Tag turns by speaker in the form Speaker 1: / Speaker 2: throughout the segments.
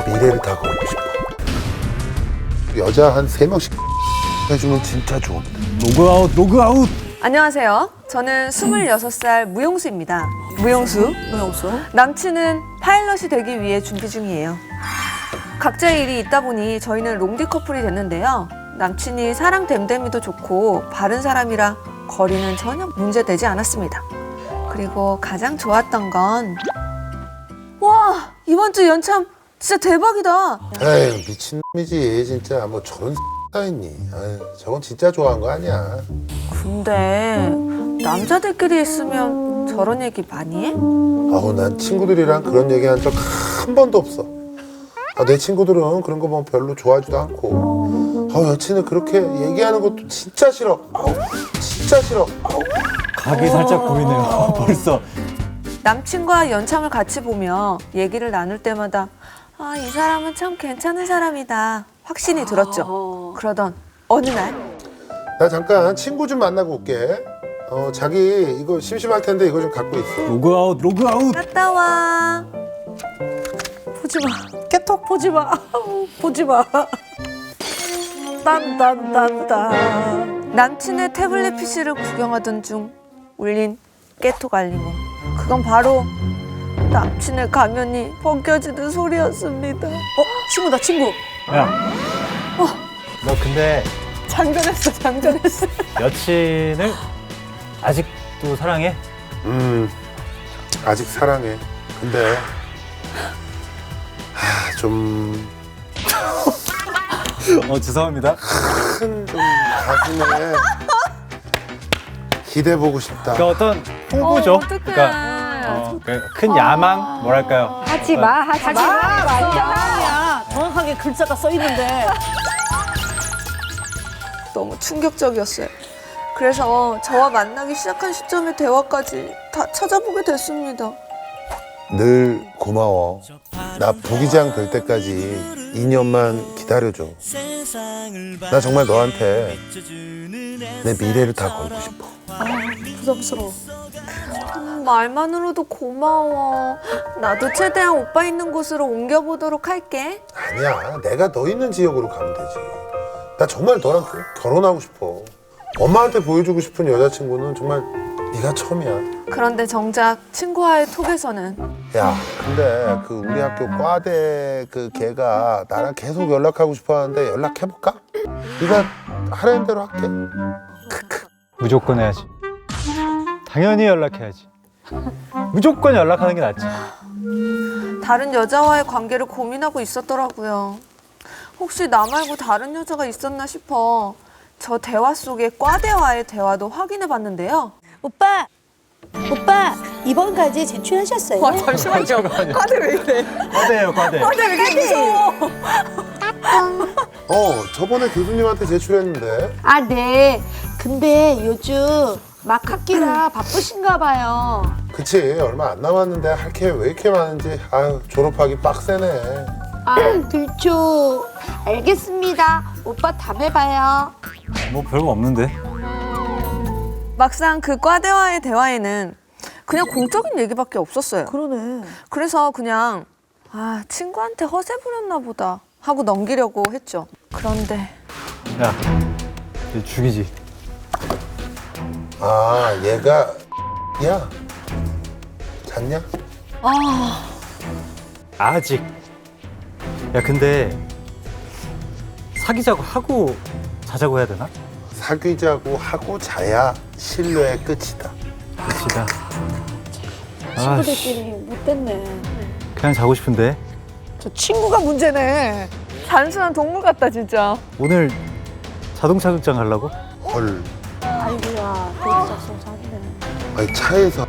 Speaker 1: 내 미래를 다 걸고 싶어. 여자 한 3명씩 해주면 진짜 좋은데.
Speaker 2: 로그아웃 로그아웃.
Speaker 3: 안녕하세요. 저는 26살 무용수입니다. 무용수. 남친은 파일럿이 되기 위해 준비 중이에요. 각자의 일이 있다 보니 저희는 롱디 커플이 됐는데요. 남친이 사랑 됨됨이도 좋고 바른 사람이라 거리는 전혀 문제되지 않았습니다. 그리고 가장 좋았던 건 와, 이번 주 연참 진짜 대박이다.
Speaker 1: 에이, 미친놈이지 진짜. 뭐 저런 다 있니. 저건 진짜 좋아한 거 아니야.
Speaker 3: 근데 남자들끼리 있으면 저런 얘기 많이 해?
Speaker 1: 아우, 난 친구들이랑 그런 얘기 한 적 한 번도 없어. 내 친구들은 그런 거 보면 별로 좋아하지도 않고. 여친은 그렇게 얘기하는 것도 진짜 싫어. 진짜 싫어.
Speaker 2: 각이 살짝 보이네요. 벌써.
Speaker 3: 남친과 연참을 같이 보며 얘기를 나눌 때마다 이 사람은 참 괜찮은 사람이다 확신이 들었죠. 그러던 어느 날
Speaker 1: 나 잠깐 친구 좀 만나고 올게. 자기 이거 심심할 텐데 이거 좀 갖고 있어.
Speaker 2: 로그아웃 로그아웃.
Speaker 3: 갔다 와.
Speaker 4: 보지 마. 깨톡 보지 마. 보지 마. 딴딴딴딴.
Speaker 3: 남친의 태블릿 PC를 구경하던 중 울린 깨톡 알림음. 그건 바로 남친의 가면이 벗겨지는 소리였습니다.
Speaker 4: 친구다, 친구.
Speaker 2: 야. 너 근데
Speaker 3: 장전했어.
Speaker 2: 여친을 아직도 사랑해?
Speaker 1: 아직 사랑해. 근데 좀
Speaker 2: 죄송합니다.
Speaker 1: 큰 좀 가슴에 기대보고 싶다.
Speaker 2: 그 어떤 홍보죠.
Speaker 3: 어떡해.
Speaker 2: 그러니까 큰 야망 뭐랄까요.
Speaker 5: 하지 마.
Speaker 4: 완전이야. 정확하게 글자가 써 있는데.
Speaker 3: 너무 충격적이었어요. 그래서 저와 만나기 시작한 시점의 대화까지 다 찾아보게 됐습니다.
Speaker 1: 늘 고마워. 나 부기장 될 때까지 2년만 기다려줘. 나 정말 너한테 내 미래를 다 걸고 싶어.
Speaker 4: 부담스러워.
Speaker 3: 말만으로도 고마워. 나도 최대한 오빠 있는 곳으로 옮겨보도록 할게.
Speaker 1: 아니야, 내가 너 있는 지역으로 가면 되지. 나 정말 너랑 결혼하고 싶어. 엄마한테 보여주고 싶은 여자친구는 정말 네가 처음이야.
Speaker 3: 그런데 정작 친구와의 톡에서는
Speaker 1: 야, 근데 그 우리 학교 과대 그 걔가 나랑 계속 연락하고 싶어 하는데 연락해볼까? 네가 하라는 대로 할게.
Speaker 2: 무조건 해야지. 당연히 연락해야지. 무조건 연락하는 게 낫지.
Speaker 3: 다른 여자와의 관계를 고민하고 있었더라고요. 혹시 나 말고 다른 여자가 있었나 싶어 저 대화 속의 과대와의 대화도 확인해 봤는데요.
Speaker 4: 오빠, 이번 과제 제출하셨어요?
Speaker 3: 잠시만요. 과대 왜 이래?
Speaker 2: 과대예요, 과대.
Speaker 3: 과대 왜 이렇게 무서워?
Speaker 1: 저번에 교수님한테 제출했는데.
Speaker 5: 네. 근데 요즘 막 학기라 바쁘신가 봐요.
Speaker 1: 그치, 얼마 안 남았는데 할 게 왜 이렇게 많은지. 졸업하기 빡세네.
Speaker 5: 그렇죠. 알겠습니다. 오빠 다음에 봐요.
Speaker 2: 뭐 별거 없는데.
Speaker 3: 막상 그 과대와의 대화에는 그냥 공적인 얘기밖에 없었어요.
Speaker 4: 그러네.
Speaker 3: 그래서 그냥 친구한테 허세 부렸나 보다 하고 넘기려고 했죠. 그런데
Speaker 2: 야, 얘 죽이지.
Speaker 1: 얘가 야 잤냐?
Speaker 2: 아직. 야, 근데 사귀자고 하고 자자고 해야 되나?
Speaker 1: 사귀자고 하고 자야 신뢰의 끝이다.
Speaker 2: 그치다.
Speaker 4: 친구들끼리 못됐네.
Speaker 2: 그냥 자고 싶은데.
Speaker 4: 저 친구가 문제네.
Speaker 3: 단순한 동물 같다 진짜.
Speaker 2: 오늘 자동차 극장 가려고?
Speaker 1: 헐.
Speaker 4: 아이고야, 거기 작성 사기네.
Speaker 1: 아니, 차에서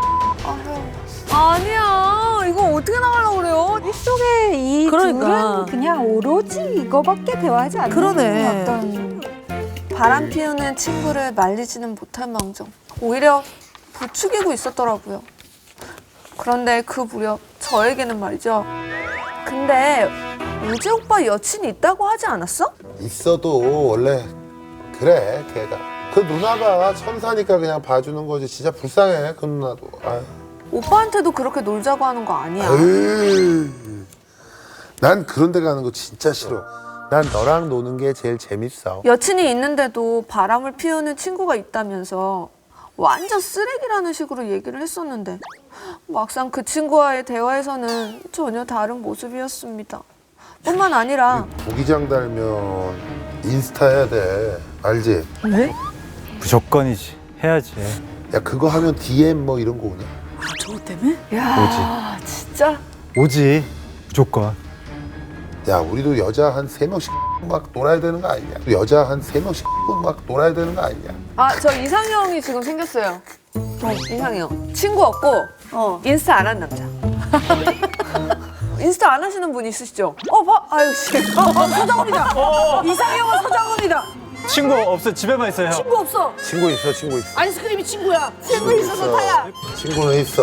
Speaker 3: 아니야 이거 어떻게 나가려고 그래요?
Speaker 5: 속에 이
Speaker 4: 그러니까.
Speaker 5: 둘은 그냥 오로지 이거밖에 대화하지 않는
Speaker 4: 그러네.
Speaker 5: 어떤
Speaker 3: 바람 피우는 친구를 말리지는 못할 망정 오히려 부추기고 있었더라고요. 그런데 그 무렵 저에게는 말이죠. 근데 우재 오빠 여친이 있다고 하지 않았어?
Speaker 1: 있어도 원래 그래, 걔가. 그 누나가 천사니까 그냥 봐주는 거지. 진짜 불쌍해, 그 누나도.
Speaker 3: 오빠한테도 그렇게 놀자고 하는 거 아니야.
Speaker 1: 에이, 난 그런 데 가는 거 진짜 싫어. 난 너랑 노는 게 제일 재밌어.
Speaker 3: 여친이 있는데도 바람을 피우는 친구가 있다면서 완전 쓰레기라는 식으로 얘기를 했었는데 막상 그 친구와의 대화에서는 전혀 다른 모습이었습니다. 뿐만 아니라
Speaker 1: 부기장 달면 인스타 해야 돼. 알지?
Speaker 4: 왜?
Speaker 2: 무조건이지. 해야지.
Speaker 1: 야 그거 하면 DM 뭐 이런 거 오냐?
Speaker 4: 아, 저거 때문에?
Speaker 3: 야 진짜
Speaker 2: 오지. 무조건.
Speaker 1: 야 우리도 여자 한 3명씩 막 놀아야 되는 거 아니냐? 여자 한 3명씩 막 놀아야 되는 거 아니냐?
Speaker 3: 아 저 이상형이 지금 생겼어요. 이상형 친구 없고 인스타 안 하는 남자. 인스타 안 하시는 분 있으시죠? 아유 씨.
Speaker 4: 서장훈이다. 이상형은 서장훈이다.
Speaker 2: 친구 없어. 집에만 있어요.
Speaker 4: 친구 없어.
Speaker 1: 친구 있어 친구 있어.
Speaker 4: 아이스크림이 친구야.
Speaker 3: 친구 있어서 타야.
Speaker 1: 친구는 있어.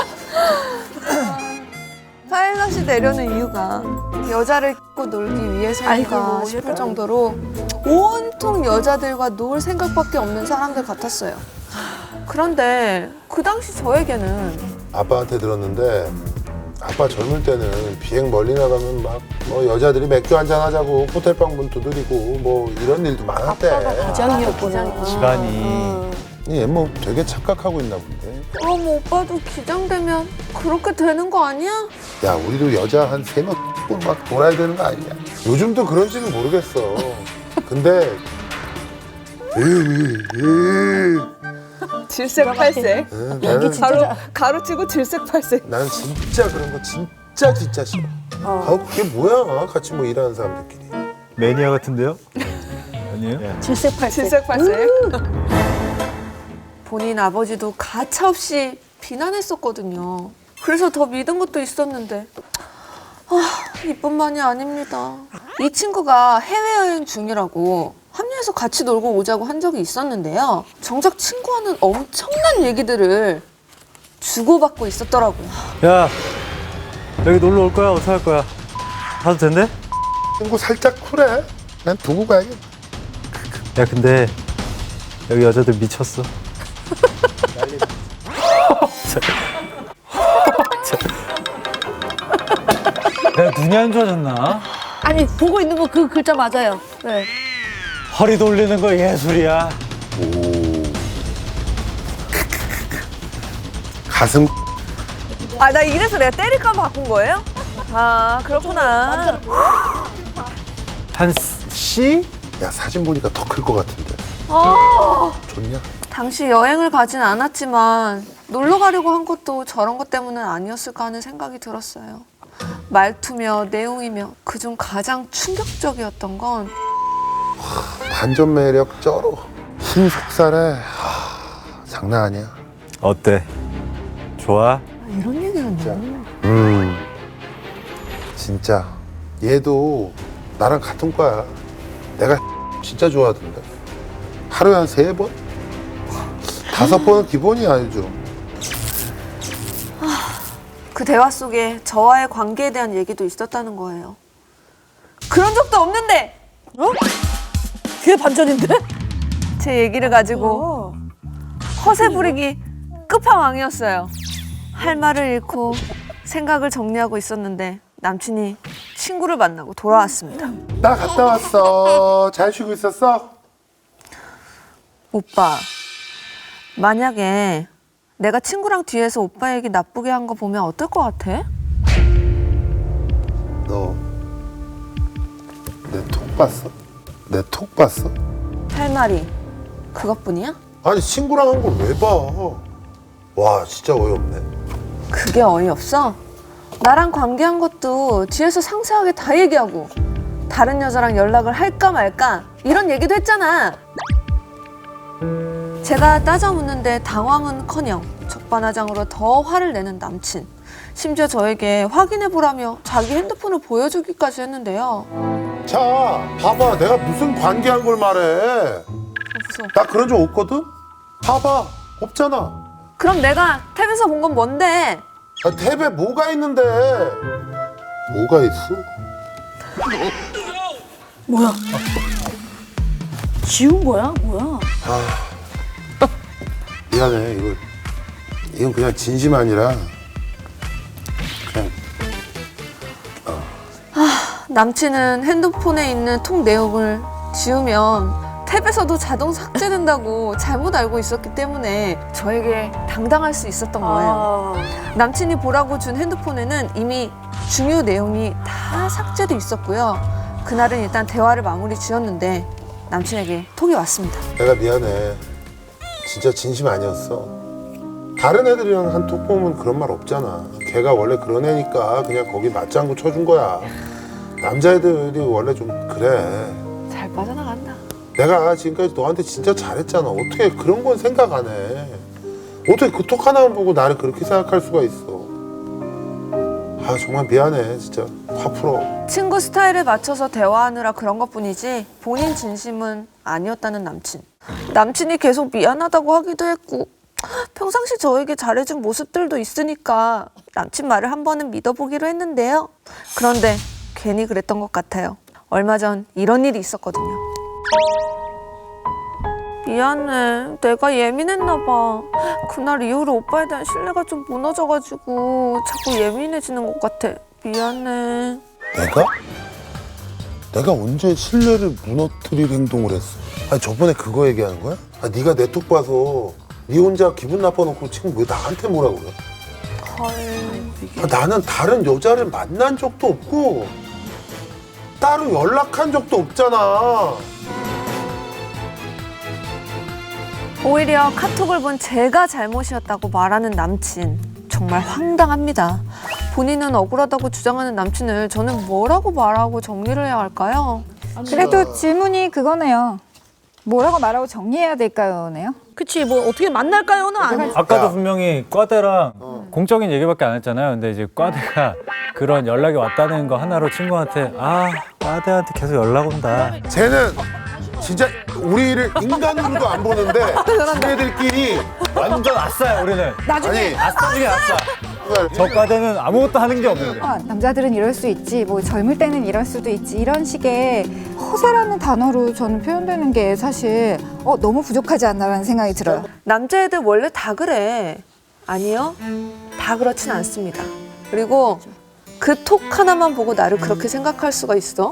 Speaker 3: 파일럿이 내려는 이유가 여자를 끼고 놀기 위해서인가
Speaker 4: 아이고,
Speaker 3: 싶을
Speaker 4: 예뻐.
Speaker 3: 정도로 온통 여자들과 놀 생각밖에 없는 사람들 같았어요. 그런데 그 당시 저에게는
Speaker 1: 아빠한테 들었는데 아빠 젊을 때는 비행 멀리 나가면 막 뭐 여자들이 맥주 한잔 하자고 호텔방 문 두드리고 뭐 이런 일도 많았대.
Speaker 4: 기장이었구나.
Speaker 2: 집안이.
Speaker 1: 얘 뭐 되게 착각하고 있나 본데.
Speaker 3: 그럼 오빠도 기장되면 그렇게 되는 거 아니야?
Speaker 1: 야 우리도 여자 한 3명 막 놀아야 되는 거 아니냐? 요즘도 그런지는 모르겠어. 근데
Speaker 3: 질색팔색.
Speaker 1: 나는
Speaker 3: 가로치고 질색팔색.
Speaker 1: 나는 진짜 그런 거 진짜 싫어. 아 그게 뭐야? 같이 뭐 일하는 사람들끼리.
Speaker 2: 매니아 같은데요? 아니에요?
Speaker 3: 질색팔색. 본인 아버지도 가차없이 비난했었거든요. 그래서 더 믿은 것도 있었는데 이뿐만이 아닙니다. 이 친구가 해외여행 중이라고 합류해서 같이 놀고 오자고 한 적이 있었는데요. 정작 친구와는 엄청난 얘기들을 주고받고 있었더라고요.
Speaker 2: 야, 여기 놀러 올 거야? 어떻게 할 거야? 가도 된대?
Speaker 1: 친구 살짝 쿨해. 난 두고 가야겠다.
Speaker 2: 야, 근데 여기 여자들 미쳤어. 내가 눈이 안 좋아졌나?
Speaker 4: 아니 보고 있는 거 그 글자 맞아요. 네.
Speaker 2: 허리 돌리는 거 예술이야.
Speaker 1: 가슴
Speaker 3: 아, 나 이래서 내가 때릴까 봐 바꾼 거예요? 아, 그렇구나.
Speaker 2: 한 씨?
Speaker 1: 야 사진 보니까 더 클 것 같은데. 좋냐?
Speaker 3: 당시 여행을 가진 않았지만 놀러 가려고 한 것도 저런 것 때문은 아니었을까 하는 생각이 들었어요. 말투며 내용이며 그중 가장 충격적이었던 건
Speaker 1: 반전 매력 쩔어. 힘 속살해. 장난 아니야.
Speaker 2: 어때? 좋아?
Speaker 3: 이런 얘기였나?
Speaker 1: 진짜 얘도 나랑 같은 과야. 내가 진짜 좋아하던데. 하루에 한 3번? 5번은 기본이야 요즘.
Speaker 3: 그 대화 속에 저와의 관계에 대한 얘기도 있었다는 거예요. 그런 적도 없는데
Speaker 4: 그게 반전인데?
Speaker 3: 제 얘기를 가지고 허세 부리기 끝판왕이었어요. 할 말을 잃고 생각을 정리하고 있었는데 남친이 친구를 만나고 돌아왔습니다.
Speaker 1: 나 갔다 왔어. 잘 쉬고 있었어?
Speaker 3: 오빠, 만약에 내가 친구랑 뒤에서 오빠 얘기 나쁘게 한 거 보면 어떨 것 같아?
Speaker 1: 너 내 톡 봤어? 내 톡 봤어?
Speaker 3: 할 말이 그것뿐이야?
Speaker 1: 아니 친구랑 한 걸 왜 봐? 와 진짜 어이없네.
Speaker 3: 그게 어이없어? 나랑 관계한 것도 뒤에서 상세하게 다 얘기하고 다른 여자랑 연락을 할까 말까 이런 얘기도 했잖아. 제가 따져 묻는데 당황은커녕 적반하장으로 더 화를 내는 남친. 심지어 저에게 확인해보라며 자기 핸드폰을 보여주기까지 했는데요.
Speaker 1: 자 봐봐 내가 무슨 관계한 걸 말해.
Speaker 3: 무서워.
Speaker 1: 나 그런 적 없거든? 봐봐 없잖아.
Speaker 3: 그럼 내가 탭에서 본 건 뭔데?
Speaker 1: 아, 탭에 뭐가 있는데? 뭐가 있어?
Speaker 4: 뭐야? 지운 거야? 뭐야?
Speaker 1: 미안해 이건 그냥 진심 아니라 그냥
Speaker 3: 남친은 핸드폰에 있는 톡 내용을 지우면 탭에서도 자동 삭제된다고 잘못 알고 있었기 때문에 저에게 당당할 수 있었던 거예요. 남친이 보라고 준 핸드폰에는 이미 중요 내용이 다 삭제돼 있었고요. 그날은 일단 대화를 마무리 지었는데 남친에게 톡이 왔습니다.
Speaker 1: 내가 미안해. 진짜 진심 아니었어. 다른 애들이랑 한 톡 보면 그런 말 없잖아. 걔가 원래 그런 애니까 그냥 거기 맞장구 쳐준 거야. 남자애들이 원래 좀 그래.
Speaker 3: 잘 빠져나간다.
Speaker 1: 내가 지금까지 너한테 진짜 잘했잖아. 어떻게 그런 건 생각 안 해. 어떻게 그 톡 하나만 보고 나를 그렇게 생각할 수가 있어. 아 정말 미안해 진짜. 화 풀어.
Speaker 3: 친구 스타일에 맞춰서 대화하느라 그런 것뿐이지 본인 진심은 아니었다는 남친. 남친이 계속 미안하다고 하기도 했고 평상시 저에게 잘해준 모습들도 있으니까 남친 말을 한 번은 믿어보기로 했는데요. 그런데 괜히 그랬던 것 같아요. 얼마 전 이런 일이 있었거든요. 미안해. 내가 예민했나 봐. 그날 이후로 오빠에 대한 신뢰가 좀 무너져가지고 자꾸 예민해지는 것 같아. 미안해.
Speaker 1: 내가? 내가 언제 신뢰를 무너뜨릴 행동을 했어? 아니 저번에 그거 얘기하는 거야? 아 네가 내 톡 봐서 네 혼자 기분 나빠놓고 지금 왜 나한테 뭐라 그래? 아, 나는 다른 여자를 만난 적도 없고 따로 연락한 적도 없잖아.
Speaker 3: 오히려 카톡을 본 제가 잘못이었다고 말하는 남친. 정말 황당합니다. 본인은 억울하다고 주장하는 남친을 저는 뭐라고 말하고 정리를 해야 할까요?
Speaker 5: 그래도 질문이 그거네요. 뭐라고 말하고 정리해야 될까요?네요.
Speaker 4: 그치, 뭐 어떻게 만날까요는 아니지.
Speaker 2: 아까도 분명히 과대랑 공적인 얘기밖에 안 했잖아요. 근데 이제 과대가 그런 연락이 왔다는 거 하나로 친구한테 아 과대한테 계속 연락 온다.
Speaker 1: 쟤는 진짜 우리를 인간으로도 안 보는데 지네들끼리
Speaker 2: 완전 아싸요 우리는.
Speaker 1: 아니
Speaker 2: 아싸 중에 아싸. 저 과대는 아무것도 하는 게 없는데.
Speaker 5: 남자들은 이럴 수 있지, 뭐 젊을 때는 이럴 수도 있지, 이런 식의 허세라는 단어로 저는 표현되는 게 사실 너무 부족하지 않나라는 생각이 들어요.
Speaker 3: 남자애들 원래 다 그래. 아니요. 다 그렇진 않습니다. 그리고 그 톡 하나만 보고 나를 그렇게 생각할 수가 있어?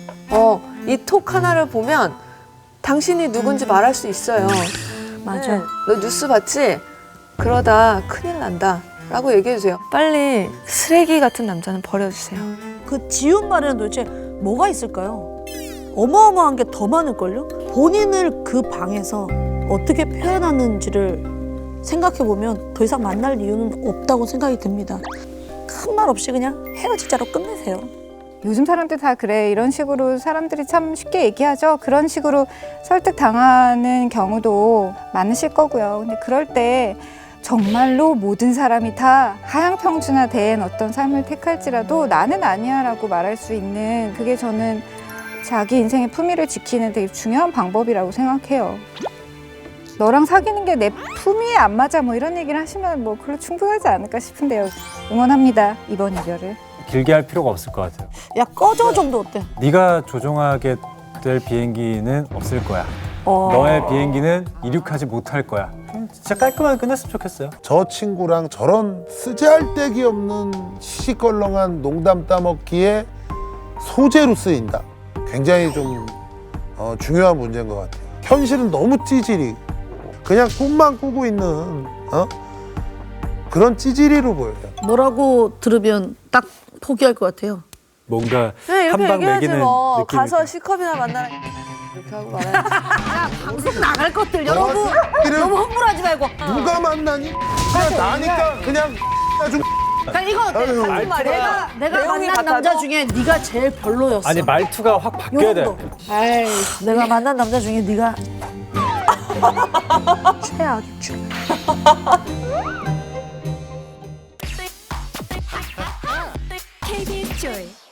Speaker 3: 이 톡 하나를 보면 당신이 누군지 말할 수 있어요.
Speaker 4: 맞아.
Speaker 3: 너 뉴스 봤지? 그러다 큰일 난다. 라고 얘기해주세요. 빨리 쓰레기 같은 남자는 버려주세요.
Speaker 4: 그 지운 말에는 도대체 뭐가 있을까요? 어마어마한 게 더 많을걸요? 본인을 그 방에서 어떻게 표현하는지를 생각해보면 더 이상 만날 이유는 없다고 생각이 듭니다. 큰 말 없이 그냥 헤어지자로 끝내세요.
Speaker 5: 요즘 사람들 다 그래. 이런 식으로 사람들이 참 쉽게 얘기하죠. 그런 식으로 설득당하는 경우도 많으실 거고요. 근데 그럴 때 정말로 모든 사람이 다 하향평준화된 어떤 삶을 택할지라도 나는 아니야 라고 말할 수 있는, 그게 저는 자기 인생의 품위를 지키는 되게 중요한 방법이라고 생각해요. 너랑 사귀는 게 내 품위에 안 맞아 뭐 이런 얘기를 하시면 뭐 그걸로 충분하지 않을까 싶은데요. 응원합니다, 이번 이별을.
Speaker 2: 길게 할 필요가 없을 것 같아요.
Speaker 4: 야, 꺼져 정도 어때?
Speaker 2: 네가 조종하게 될 비행기는 없을 거야. 너의 비행기는 이륙하지 못할 거야. 진짜 깔끔하게 끝냈으면 좋겠어요.
Speaker 1: 저 친구랑 저런 쓰잘데기 없는 시시껄렁한 농담 따먹기에 소재로 쓰인다. 굉장히 좀 중요한 문제인 것 같아요. 현실은 너무 찌질이 그냥 꿈만 꾸고 있는 그런 찌질이로 보여요.
Speaker 4: 뭐라고 들으면 딱 포기할 것 같아요.
Speaker 2: 뭔가
Speaker 3: 그냥 이렇게
Speaker 2: 한방
Speaker 3: 얘기하지
Speaker 2: 매기는
Speaker 3: 뭐.
Speaker 2: 느낌이.
Speaker 3: 가서 C컵이나 만나라. 이렇게 하고 말해야지.
Speaker 4: 방송 나갈 것들 여러분 너무 흥분하지 말고.
Speaker 1: 누가 만나니? 그냥 나니까 그냥 좀
Speaker 4: 그러니까 이거 어때?
Speaker 2: 말투가
Speaker 4: 내가
Speaker 3: 내용이
Speaker 4: 만난
Speaker 3: 같아도?
Speaker 4: 남자 중에 네가 제일 별로였어.
Speaker 2: 아니 말투가 확 바뀌어야 돼.
Speaker 4: 에이, 내가 만난 남자 중에 네가 최악.
Speaker 6: KBS Joy